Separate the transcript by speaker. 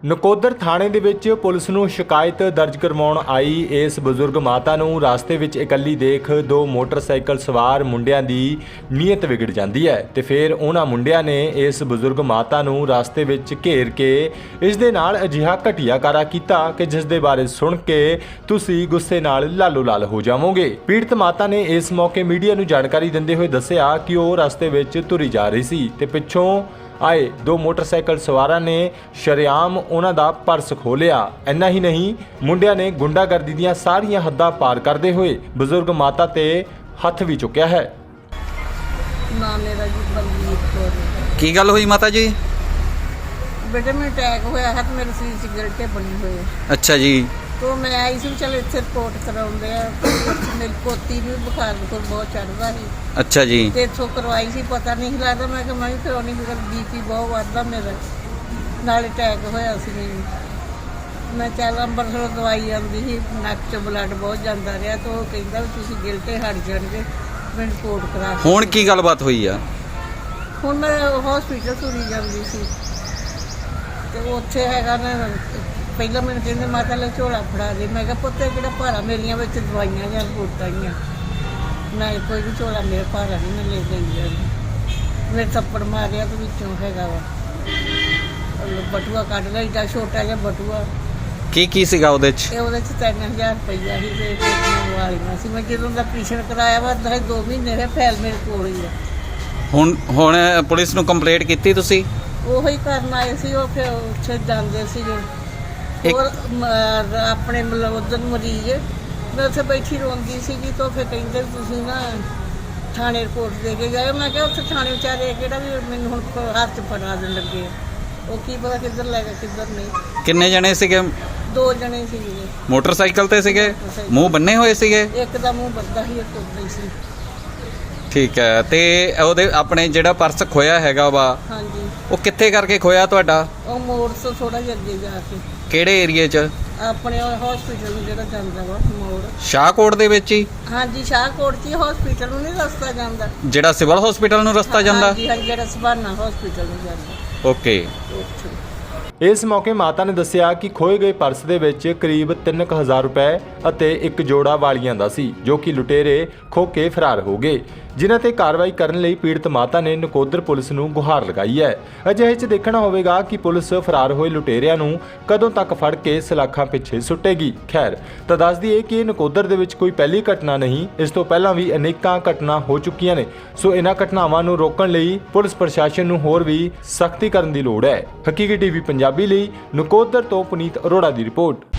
Speaker 1: ਨਕੋਦਰ ਥਾਣੇ ਦੇ ਵਿੱਚ ਪੁਲਿਸ ਨੂੰ ਸ਼ਿਕਾਇਤ ਦਰਜ ਕਰਵਾਉਣ ਆਈ ਇਸ ਬਜ਼ੁਰਗ ਮਾਤਾ ਨੂੰ ਰਸਤੇ ਵਿੱਚ ਇਕੱਲੀ ਦੇਖ ਦੋ ਮੋਟਰਸਾਈਕਲ ਸਵਾਰ ਮੁੰਡਿਆਂ ਦੀ ਨੀਅਤ ਵਿਗੜ ਜਾਂਦੀ ਹੈ ਤੇ ਫਿਰ ਉਹਨਾਂ ਮੁੰਡਿਆਂ ਨੇ ਇਸ ਬਜ਼ੁਰਗ ਮਾਤਾ ਨੂੰ ਰਸਤੇ ਵਿੱਚ ਘੇਰ ਕੇ ਇਸ ਦੇ ਨਾਲ ਅਜਿਹਾ ਘਟੀਆ ਕਾਰਾ ਕੀਤਾ ਕਿ ਜਿਸ ਦੇ ਬਾਰੇ ਸੁਣ ਕੇ ਤੁਸੀਂ ਗੁੱਸੇ ਨਾਲ ਲਾਲੋ ਲਾਲ ਹੋ ਜਾਵੋਗੇ। ਪੀੜਤ ਮਾਤਾ ਨੇ ਇਸ ਮੌਕੇ ਮੀਡੀਆ ਨੂੰ ਜਾਣਕਾਰੀ ਦਿੰਦੇ ਹੋਏ ਦੱਸਿਆ ਕਿ ਉਹ ਰਸਤੇ ਵਿੱਚ ਤੁਰੀ ਜਾ ਰਹੀ ਸੀ ਤੇ ਪਿੱਛੋਂ ਆਏ ਦੋ मोटरसाइकिल सवारां ने शरेआम उन्हां दा पर्स खोलिया। इन्ना ही नहीं, मुंडियां ने गुंडागर्दी दीयां सारियां हद्दां पार करदे होए बजुर्ग माता ते हथ भी चुक्या है।
Speaker 2: नाम मेरा जी बलजीत कौर।
Speaker 3: की गल हुई माता जी?
Speaker 2: बेटे में अटैक होया है तो मेरे शरीर से गिरटे बनी हुई है।
Speaker 3: अच्छा जी।
Speaker 2: तो मैं आई सी चल इत्थे रिपोर्ट कराउंदे आ। मेरी पोती भी बुखार बहुत चढ़दा सी।
Speaker 3: अच्छा जी।
Speaker 2: ते इत्थों करवाई सी, पता नहीं लगदा मैं कि मैं भी करवाउणी मेरा बीपी बहुत वधदा मेरा, नाल अटैक होया सी मैनूं। मैं चल अंबरसरों दवाई आंदी सी, नक्क च ब्लड बहुत जांदा रहा तो वो कहंदा भी तुसीं गिरटे हट जाणगे, मैं रिपोर्ट करा।
Speaker 3: हुण की गलबात हुई आ?
Speaker 2: हुण मैं हॉस्पिटल तुरी जांदी सी ते उत्थे हैगा ना ਪਹਿਲਾਂ ਮੈਨੂੰ ਕਹਿੰਦੇ ਮਾਤਾ ਲੈ ਝੋਲਾ ਫੜਾ ਦੇ। ਮੈਂ ਕਿਹਾ ਪੁੱਤ ਕਿਹੜਾ ਭਾਰਾ, ਮੇਰੀਆਂ ਵਿੱਚ ਦਵਾਈਆਂ ਜਾਂ ਰਿਪੋਰਟਾਂ ਆਈਆਂ ਨਾ, ਕੋਈ ਵੀ ਝੋਲਾ ਮੇਰਾ ਭਾਰਾ ਨਹੀਂ ਮੈਂ ਲੈ ਗਈ ਜਾਂਦੀ। ਮੇਰੇ ਥੱਪੜ ਮਾਰਿਆ ਤੇ ਵਿੱਚੋਂ ਹੈਗਾ ਵਾ ਬਟੂਆ ਕੱਢ ਲਿਆ, ਏਡਾ ਛੋਟਾ ਜਿਹਾ ਬਟੂਆ।
Speaker 3: ਕੀ ਸੀਗਾ ਉਹਦੇ 'ਚ?
Speaker 2: ਇਹ ਉਹਦੇ 'ਚ 3000 ਰੁਪਈਆ ਸੀ ਤੇ ਵਾਲੀਆਂ ਸੀ। ਮੈਂ ਜਦੋਂ ਦਾ ਆਪਰੇਸ਼ਨ ਕਰਾਇਆ ਵਾ 2 ਮਹੀਨੇ ਦੇ ਫੈਲ ਮੇਰੇ ਕੋਲ ਹੀ ਆ।
Speaker 3: ਹੁਣ ਪੁਲਿਸ ਨੂੰ ਕੰਪਲੇਂਟ ਕੀਤੀ ਤੁਸੀਂ?
Speaker 2: ਉਹੀ ਕਰਨ ਆਏ ਸੀ, ਉਹ ਫਿਰ ਉੱਥੇ ਜਾਂਦੇ ਸੀਗੇ और अपने मतलब उधर मरीज मैं उत्थे बैठी रोंदी सीगी तो फिर कहते तुसीं ना थाने रिपोर्ट दे के जाओ। मैं क्या उत्थे थाने बेचारे किहड़ा भी मैनूं हुण हाथ च फड़ा देण लगे, वो की पता किधर लै गए किधर नहीं।
Speaker 3: किन्ने जने सीगे?
Speaker 2: 2 जने सीगे।
Speaker 3: मोटरसाइकिल ते सीगे? मूँह बन्ने होए सीगे?
Speaker 2: एक दा मूँह बंदा ही, एक उदां ही सी।
Speaker 3: ठीक है। ते ਉਹਦੇ ਆਪਣੇ ਜਿਹੜਾ ਪਰਸ ਖੋਇਆ ਹੈਗਾ ਵਾ,
Speaker 2: ਹਾਂਜੀ
Speaker 3: ਉਹ ਕਿੱਥੇ ਕਰਕੇ ਖੋਇਆ ਤੁਹਾਡਾ?
Speaker 2: ਉਹ ਮੋੜ ਤੋਂ ਥੋੜਾ ਜਿਹਾ ਅੱਗੇ ਜਾ ਕੇ।
Speaker 3: ਕਿਹੜੇ ਏਰੀਏ 'ਚ?
Speaker 2: ਆਪਣੇ ਹਸਪੀਟਲ ਨੂੰ ਜਿਹੜਾ ਜਾਂਦਾ ਵਾ ਮੋੜ।
Speaker 3: ਸ਼ਾਹਕੋਟ ਦੇ ਵਿੱਚ ਹੀ?
Speaker 2: ਹਾਂਜੀ ਸ਼ਾਹਕੋਟ 'ਚ ਹਸਪੀਟਲ ਨੂੰ ਨਹੀਂ ਰਸਤਾ ਜਾਂਦਾ,
Speaker 3: ਜਿਹੜਾ ਸਿਵਲ ਹਸਪੀਟਲ ਨੂੰ ਰਸਤਾ ਜਾਂਦਾ?
Speaker 2: ਹਾਂਜੀ ਹਾਂਜੀ, ਜਿਹੜਾ ਸਭਾਨਾ ਹਸਪੀਟਲ ਨੂੰ ਜਾਂਦਾ।
Speaker 3: ਓਕੇ।
Speaker 2: ਉੱਥੇ
Speaker 1: ਇਸ ਮੌਕੇ ਮਾਤਾ ਨੇ ਦੱਸਿਆ ਕਿ ਖੋਏ ਗਏ ਪਰਸ ਦੇ ਵਿੱਚ ਕਰੀਬ 3000 ਰੁਪਏ ਅਤੇ ਇੱਕ ਜੋੜਾ ਵਾਲੀਆਂ ਦਾ ਸੀ, ਜੋ ਕਿ ਲੁਟੇਰੇ ਖੋਹ ਕੇ ਫਰਾਰ ਹੋ ਗਏ, ਜਿਨ੍ਹਾਂ ਤੇ ਕਾਰਵਾਈ ਕਰਨ ਲਈ ਪੀੜਤ ਮਾਤਾ ਨੇ ਨਕੋਦਰ ਪੁਲਿਸ ਨੂੰ ਗੁਹਾਰ ਲਗਾਈ ਹੈ। ਅਜਿਹੇ 'ਚ ਦੇਖਣਾ ਹੋਵੇਗਾ ਕਿ ਪੁਲਿਸ ਫਰਾਰ ਹੋਏ ਲੁਟੇਰਿਆਂ ਨੂੰ ਕਦੋਂ ਤੱਕ ਫੜ ਕੇ ਸਲਾਖਾਂ ਪਿੱਛੇ ਸੁੱਟੇਗੀ। ਖੈਰ, ਤਾਂ ਦੱਸ ਦਈਏ ਕਿ ਇਹ ਨਕੋਦਰ ਦੇ ਵਿੱਚ ਕੋਈ ਪਹਿਲੀ ਘਟਨਾ ਨਹੀਂ, ਇਸ ਤੋਂ ਪਹਿਲਾਂ ਵੀ ਅਨੇਕਾਂ ਘਟਨਾ ਹੋ ਚੁੱਕੀਆਂ ਨੇ। ਸੋ ਇਹਨਾਂ ਘਟਨਾਵਾਂ ਨੂੰ ਰੋਕਣ ਲਈ ਪੁਲਿਸ ਪ੍ਰਸ਼ਾਸਨ ਨੂੰ ਹੋਰ ਵੀ ਸਖਤੀ ਕਰਨ ਦੀ ਲੋੜ ਹੈ। ਹਕੀਕੀ ਟੀਵੀ ਪੰਜਾਬੀ ਲਈ ਨਕੋਦਰ ਤੋਂ ਪੁਨੀਤ ਅਰੋੜਾ ਦੀ ਰਿਪੋਰਟ।